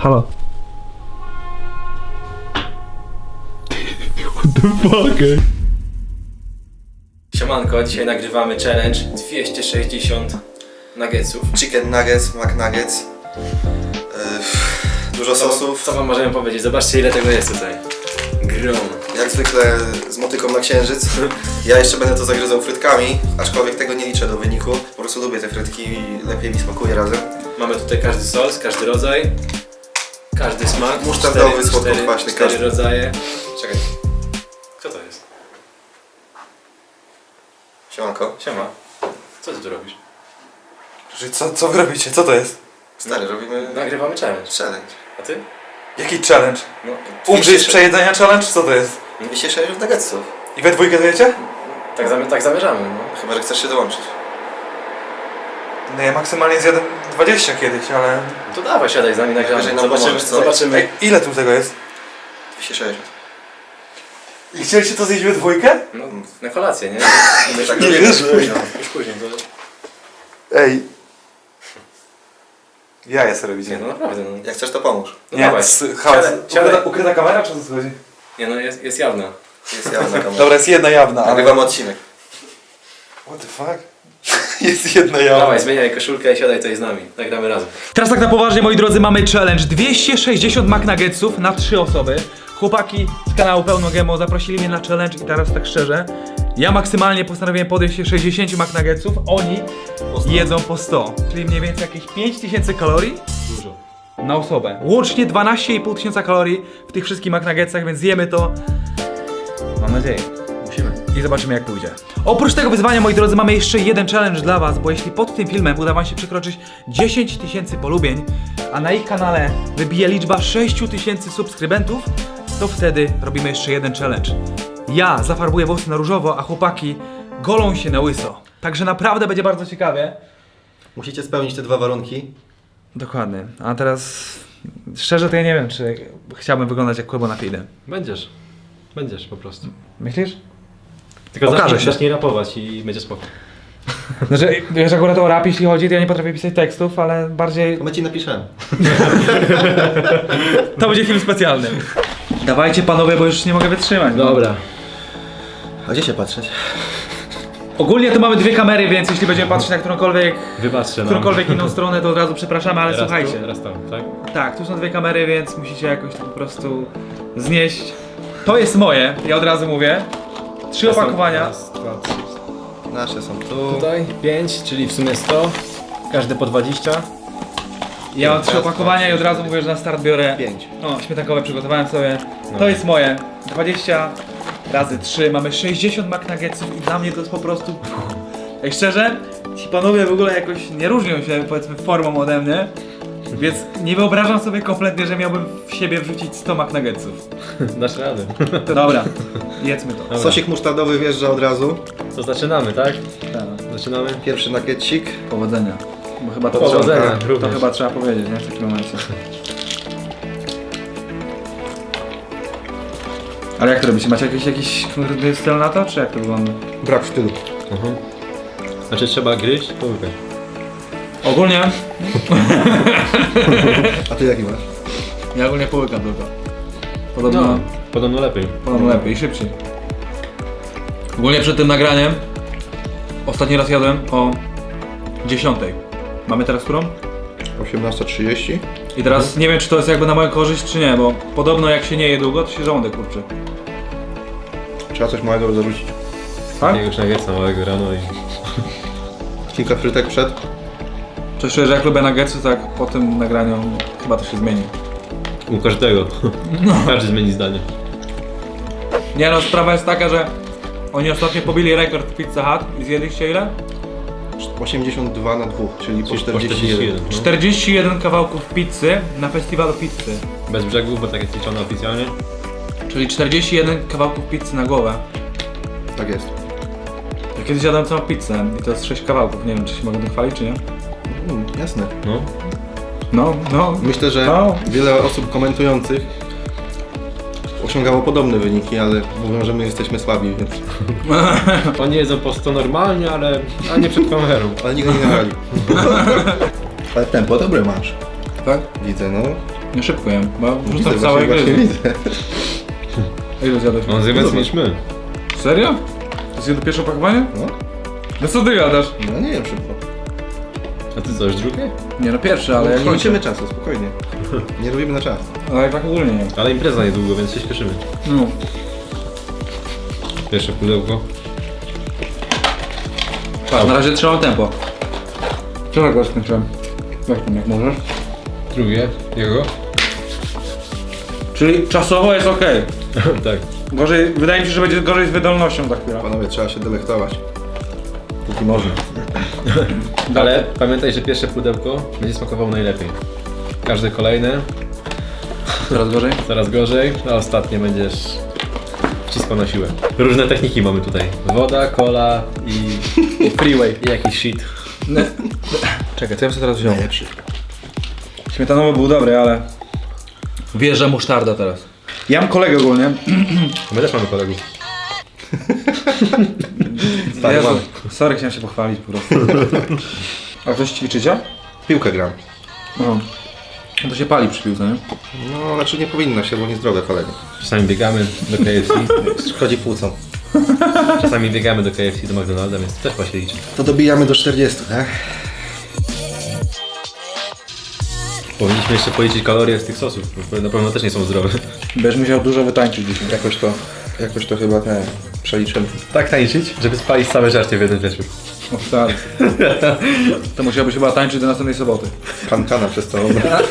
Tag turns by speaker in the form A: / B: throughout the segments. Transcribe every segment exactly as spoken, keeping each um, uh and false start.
A: Halo. What the fuck? Siemanko, dzisiaj nagrywamy challenge dwieście sześćdziesiąt nuggetsów.
B: Chicken nuggets, McNuggets. Yy, dużo
A: Co,
B: sosów.
A: co wam możemy powiedzieć? Zobaczcie, ile tego jest tutaj. Grom.
B: Jak zwykle z motyką na księżyc. Ja jeszcze będę to zagryzał frytkami, aczkolwiek tego nie liczę do wyniku. Po prostu lubię te frytki i lepiej mi smakuje razem.
A: Mamy tutaj każdy sos, każdy rodzaj, każdy smak.
B: Musztardowy, słodko-kwaśny,
A: cztery
B: każdy.
A: rodzaje. Czekaj. Kto to jest?
B: Siemanko.
A: Siema. Co ty tu robisz?
C: Co, co wy robicie? Co to jest?
B: Stary, robimy
A: Nagrywamy challenge.
B: challenge.
A: A ty?
C: Jaki challenge?
B: No,
C: Umrzyj z przejedzenia challenge? Co to jest?
B: dwieście sześćdziesiąt nuggetsów.
C: I we dwójkę to jecie?
A: Tak, zamy tak zamierzamy, no.
B: Chyba, że chcesz się dołączyć.
C: No ja maksymalnie zjadłem dwadzieścia kiedyś, ale...
A: No to dawaj, siadaj z nami, nagramy.
B: Najwyżej nam
A: Zobaczymy,
B: pomożesz, co?
A: zobaczymy.
C: Ej, ile tu tego jest?
B: dwieście sześćdziesiąt.
C: I chcieliście to zjeść we dwójkę?
A: No, na kolację, nie?
B: My tak
C: Nie
B: robimy.
C: wierzę.
A: Później, już później. To...
C: Ej. Ja jest robicie.
A: Nie, no naprawdę, no.
B: Jak chcesz, to pomóż.
A: No
C: Nie,
A: dawaj.
C: s- hałas.
A: Siadaj, siadaj.
C: Ukryta, ukryta kamera, czy o co chodzi?
A: Nie, no jest, jest jawna.
B: Jest jawna kamera.
C: Dobra, jest jedna jawna, ale...
B: Nagrywamy odcinek.
C: What the fuck? Jest jedna jawna.
A: Dawaj, zmieniaj koszulkę i siadaj tutaj z nami. Nagramy razem.
D: Teraz tak na poważnie, moi drodzy, mamy challenge dwieście sześćdziesiąt McNuggetsów na trzy osoby. Chłopaki z kanału Pełno Gemo zaprosili mnie na challenge i teraz tak szczerze, ja maksymalnie postanowiłem podejść się sześćdziesiąt McNuggetsów, oni jedzą po sto, czyli mniej więcej jakieś pięć tysięcy kalorii
A: Dużo.
D: na osobę. Łącznie dwanaście i pół tysiąca kalorii w tych wszystkich McNuggetsach, więc zjemy to. Mam nadzieję. Musimy. I zobaczymy, jak pójdzie. Oprócz tego wyzwania, moi drodzy, mamy jeszcze jeden challenge dla was, bo jeśli pod tym filmem uda wam się przekroczyć dziesięć tysięcy polubień, a na ich kanale wybije liczba sześć tysięcy subskrybentów, to wtedy robimy jeszcze jeden challenge. Ja zafarbuję włosy na różowo, a chłopaki golą się na łyso. Także naprawdę będzie bardzo ciekawie.
B: Musicie spełnić te dwa warunki.
D: Dokładnie. A teraz szczerze to ja nie wiem, czy chciałbym wyglądać jak Kłebo na Fide.
E: Będziesz. Będziesz po prostu.
D: Myślisz?
E: Tylko
D: Okaże
E: zacznij,
D: się.
E: zacznij rapować i będzie spoko.
D: Znaczy, wiesz, akurat o rap jeśli chodzi, to ja nie potrafię pisać tekstów, ale bardziej
B: To my ci napiszemy.
D: to będzie film specjalny. Dawajcie panowie, bo już nie mogę wytrzymać. no.
E: Dobra.
B: A gdzie się patrzeć?
D: Ogólnie tu mamy dwie kamery, więc jeśli będziemy patrzeć na którąkolwiek,
E: Wybaczcie nam.
D: którąkolwiek inną stronę, to od razu przepraszamy, ale
E: raz
D: słuchajcie.
E: Tu, raz tam, tak?
D: Tak, tu są dwie kamery, więc musicie jakoś to po prostu znieść. To jest moje, ja od razu mówię. Trzy
E: Raz tam,
D: opakowania.
E: Raz, dwa, trzy.
B: Nasze są tu.
E: Tutaj pięć, czyli w sumie sto. Każde po dwadzieścia.
D: Ja mam trzy opakowania i od razu mówię, że na start biorę.
B: Pięć.
D: O, śmietankowe przygotowałem sobie.
E: No.
D: To jest moje. dwadzieścia razy trzy, mamy sześćdziesiąt McNuggetsów i dla mnie to jest po prostu... Jak szczerze, ci panowie w ogóle jakoś nie różnią się, powiedzmy, formą ode mnie. Więc nie wyobrażam sobie kompletnie, że miałbym w siebie wrzucić sto McNuggetsów.
E: Dasz radę.
D: To dobra, jedzmy to.
E: Dobra.
B: Sosik musztardowy wjeżdża od razu.
E: To zaczynamy, tak?
D: Tak.
E: Zaczynamy.
B: Pierwszy nuggetsik.
D: Powodzenia. Bo chyba to,
E: Powodzenia,
D: trzeba, to
E: również.
D: chyba trzeba powiedzieć, nie? W takim momencie. Ale jak to robicie? Macie jakiś, jakiś kurde styl na to, czy jak to wygląda?
B: Brak stylu.
E: Mhm. Znaczy trzeba gryźć, połykać.
D: Ogólnie,
B: A ty jaki masz?
D: ja ogólnie połykam tylko. Podobno,
E: No, podobno lepiej.
D: podobno lepiej i szybciej. Ogólnie przed tym nagraniem ostatni raz jadłem o dziesiątej. Mamy teraz którą?
B: osiemnasta trzydzieści.
D: I teraz nie wiem, czy to jest jakby na moją korzyść, czy nie, bo podobno jak się nie je długo, to się żołądek kurczy.
B: Trzeba coś małego zarzucić.
D: Tak?
E: Jakiegoś nuggetsa małego rano i...
B: Kilka frytek przed.
D: Coś czuję, że jak lubię nuggetsy, tak po tym nagraniu chyba to się zmieni.
E: U każdego. Każdy zmieni zdanie.
D: Nie no, sprawa jest taka, że oni ostatnio pobili rekord w Pizza Hut i zjedliście ile?
B: osiemdziesiąt dwa na dwóch, czyli po
E: Czyli po
B: czterdzieści jeden.
E: no.
D: czterdzieści jeden kawałków pizzy na festiwalu pizzy.
E: Bez brzegów, bo tak jest liczone oficjalnie.
D: Czyli czterdzieści jeden kawałków pizzy na głowę.
B: Tak jest.
D: Ja kiedyś jadłem całą pizzę i to jest sześć kawałków, nie wiem czy się mogę tym chwalić czy nie?
B: Mm, jasne.
E: No.
D: No, no.
B: Myślę, że
D: No.
B: wiele osób komentujących osiągało podobne wyniki, ale mówią, że my jesteśmy słabi, więc...
E: Oni jedzą po sto normalnie, ale... a nie przed kamerą.
B: Ale nigdy nie nagrali. Ale tempo dobre masz.
D: Tak?
B: Widzę, no.
D: Ja szybko jem, bo
B: Widzę,
D: wrzucam
B: właśnie-
D: całe
B: właśnie
D: gry.
B: widzę.
D: A ile zjadłeś?
E: On zje więcej niż my.
D: Serio? To jest jedno pierwsze opakowanie?
B: No,
D: No co ty gadasz?
B: no nie wiem szybko.
E: A ty co, już drugie?
D: Nie no pierwsze, ale
B: Ale
D: jak
B: nie
D: kończymy.
B: liczymy czasu, spokojnie. Nie robimy na czas.
D: Ale jak tak ogólnie nie.
E: Ale impreza niedługo, więc się śpieszymy.
D: No.
E: Pierwsze pudełko.
D: Patrz, na razie trzymam tempo. Czego go skończyłem? Weź tam jak możesz.
E: Drugie. Jego?
D: Czyli czasowo jest ok.
E: Tak.
D: Gorzej, wydaje mi się, że będzie gorzej z wydolnością za chwilę.
B: Panowie, trzeba się delektować. Póki można.
E: Ale pamiętaj, że pierwsze pudełko będzie smakowało najlepiej. Każde kolejne
D: Coraz gorzej?
E: coraz gorzej, a ostatnie będziesz wciskał na siłę. Różne techniki mamy tutaj. Woda, cola i,
D: Freeway.
E: i jakiś shit.
D: Czekaj, co ja bym sobie teraz wziął? Najlepszy. Śmietanowy był dobry, ale... Wjeżdża musztarda teraz. Ja mam kolegę ogólnie.
E: My też mamy kolegów.
B: Tak,
D: Jezu,
B: mamy.
D: sorry, chciałem się pochwalić po prostu. A coś ćwiczycie?
B: Piłkę gram.
D: No. No to się pali przy piłce, nie?
B: No, znaczy nie powinno się, bo niezdrowe kolegi.
E: Czasami biegamy do K F C.
B: Szkodzi płucom.
E: Czasami biegamy do K F C, do McDonalda, więc też ma się liczyć.
B: To dobijamy do czterdziestu, tak?
E: Powinniśmy jeszcze policzyć kalorie z tych sosów, bo na pewno też nie są zdrowe.
D: Będziesz musiał dużo wytańczyć dzisiaj.
B: Jakoś to, jakoś to chyba te przeliczymy.
E: Tak tańczyć, żeby spalić całe żarcie w jeden wieczór.
D: O stary. To musiałbyś chyba tańczyć do następnej soboty.
B: Kankana przez całą.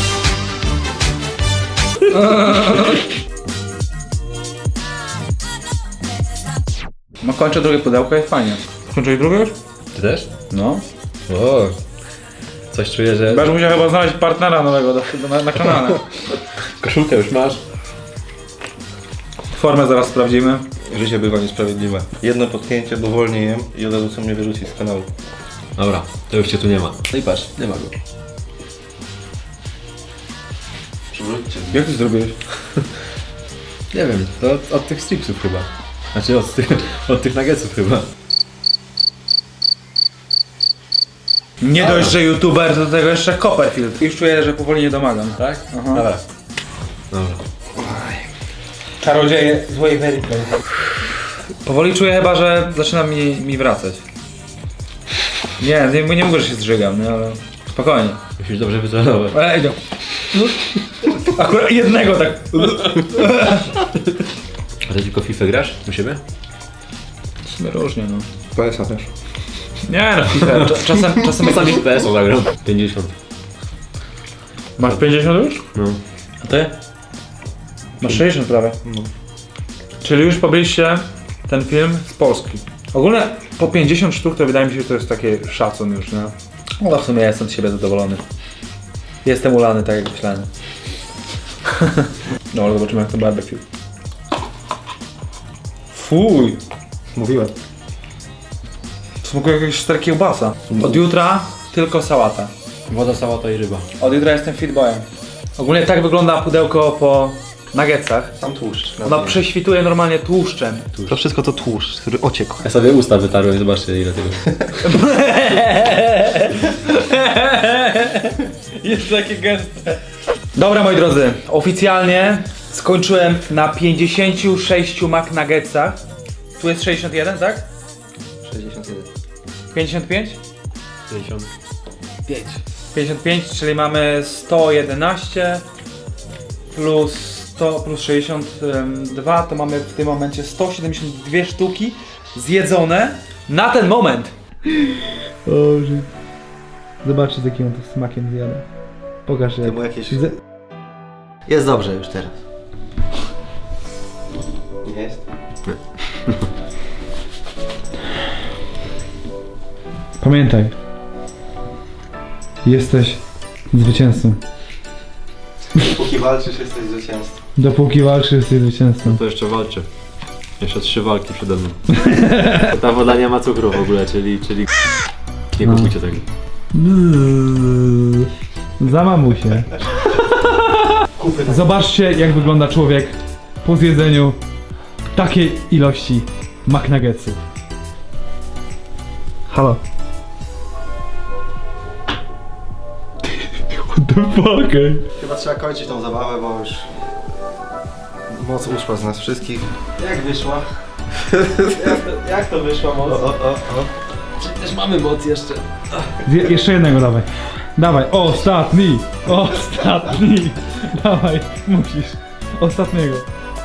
D: No kończę drugie pudełko, jest fajnie. Skończyłeś drugie już?
E: Ty też?
D: No.
E: O, coś czuję, że
D: Będziesz musiał chyba znaleźć partnera nowego do, do, na, na kanale.
E: koszulkę już masz.
D: Formę zaraz sprawdzimy.
B: Życie bywa niesprawiedliwe. Jedno potknięcie, bo wolniej jem i od razu chcą mnie wyrzucić z kanału.
E: Dobra, to już cię tu nie ma. No i patrz, nie ma go.
B: Przywróćcie.
D: Jak ty zrobiłeś?
E: Nie wiem, to od, od tych stripsów chyba. Znaczy od tych, od tych nuggetsów chyba.
D: Nie dość, że youtuber, to do tego jeszcze Copperfield. Już czuję, że powoli nie domagam.
E: Tak?
D: Aha.
E: Dobra. Dobra.
D: Czarodzieje złej wery. Powoli czuję chyba, że zaczyna mi, mi wracać. Nie, nie, nie mówię, że się zżygam, nie, ale spokojnie.
E: Musisz dobrze wycelować.
D: Ej, no. Akurat jednego tak.
E: A ty tylko FIFA grasz u siebie?
D: W sumie różnie, no.
B: P S a też.
D: Nie no, FIFA. Cza- Czasem, czasem
E: Czasami
D: jakiś...
E: w P S o zagram. pięćdziesiąt.
D: Masz pięćdziesiąt już?
E: No.
D: A ty? Masz sześćdziesiąt prawie.
B: No.
D: Czyli już pobiliście ten film z Polski. Ogólnie po pięćdziesiąt sztuk to wydaje mi się, że to jest taki szacun już, nie? No w sumie ja jestem z siebie zadowolony. Jestem ulany, tak jak myślałem. No ale zobaczymy jak to barbecue. Fuj!
B: Mówiłem.
D: Smakuje jakiegoś stara kiełbasa. Od jutra tylko sałata.
E: Woda, sałata i ryba.
D: Od jutra jestem fit boyem. Ogólnie tak wygląda pudełko po nuggetsach.
B: Tam tłuszcz.
D: Ono prześwituje normalnie tłuszczem.
B: To wszystko to tłuszcz, który ociekł.
E: Ja sobie usta wytarłem i zobaczcie ile tego.
D: Jest takie gęste. Dobra moi drodzy, oficjalnie skończyłem na pięćdziesięciu sześciu McNuggetsach. Tu jest sześćdziesiąt jeden, tak?
B: sześćdziesiąt jeden.
D: pięćdziesiąt pięć?
E: pięćdziesiąt.
D: pięćdziesiąt pięć, czyli mamy sto jedenaście plus sto plus sześćdziesiąt dwa, to mamy w tym momencie sto siedemdziesiąt dwie sztuki zjedzone na ten moment. Boże. Zobaczcie z jakim on to smakiem zjada. Pokaż
B: To mu jakieś...
D: Zje-
B: Jest dobrze już teraz. Nie jest?
D: Pamiętaj. Jesteś zwycięzcą.
B: Póki walczysz, jesteś zwycięzcą.
D: Dopóki walczysz, jesteś zwycięzcą.
E: To jeszcze walczę. Jeszcze trzy walki przede mną. Ta woda nie ma cukru w ogóle, czyli... czyli... Nie kupujcie tego.
D: Zamamuj się. Zobaczcie jak wygląda człowiek po zjedzeniu takiej ilości McNuggetsów. Halo. What the fuck, ej?
B: Chyba trzeba kończyć tą zabawę, bo już moc uszła z nas wszystkich.
E: Jak wyszła? Jak to, jak to wyszła moc?
B: O, o, o, o.
E: Przecież mamy moc jeszcze.
D: Zje- jeszcze jednego dawaj. Dawaj, ostatni! Ostatni! Dawaj, musisz. Ostatniego.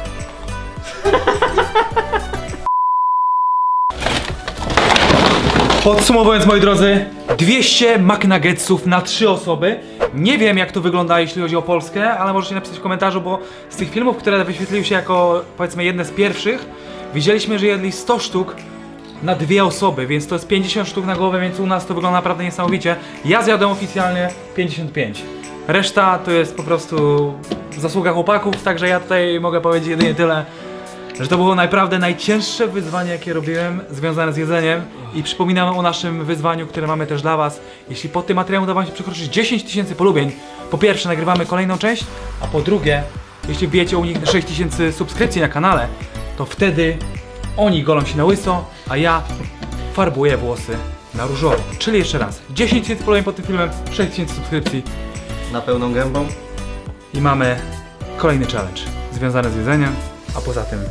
D: Podsumowując, moi drodzy, dwieście McNuggetsów na trzy osoby. Nie wiem, jak to wygląda, jeśli chodzi o Polskę, ale możecie napisać w komentarzu, bo z tych filmów, które wyświetliły się jako, powiedzmy, jedne z pierwszych, widzieliśmy, że jedli sto sztuk na dwie osoby, więc to jest pięćdziesiąt sztuk na głowę, więc u nas to wygląda naprawdę niesamowicie. Ja zjadłem oficjalnie pięćdziesiąt pięć. Reszta to jest po prostu zasługa chłopaków, także ja tutaj mogę powiedzieć jedynie tyle, że to było naprawdę najcięższe wyzwanie, jakie robiłem, związane z jedzeniem. I przypominam o naszym wyzwaniu, które mamy też dla was. Jeśli pod tym materiałem uda wam się przekroczyć dziesięć tysięcy polubień, po pierwsze nagrywamy kolejną część, a po drugie, jeśli wbijecie u nich sześć tysięcy subskrypcji na kanale, to wtedy oni golą się na łyso, a ja farbuję włosy na różowo. Czyli jeszcze raz, dziesięć tysięcy polubień pod tym filmem, sześć tysięcy subskrypcji
B: Na pełną gębą.
D: i mamy kolejny challenge związany z jedzeniem, a poza tym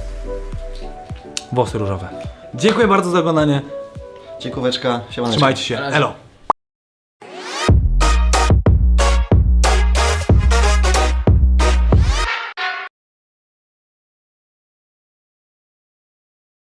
D: włosy różowe. Dziękuję bardzo za oglądanie.
B: Dziękóweczka, siemaneczko.
D: Trzymajcie się. Elo.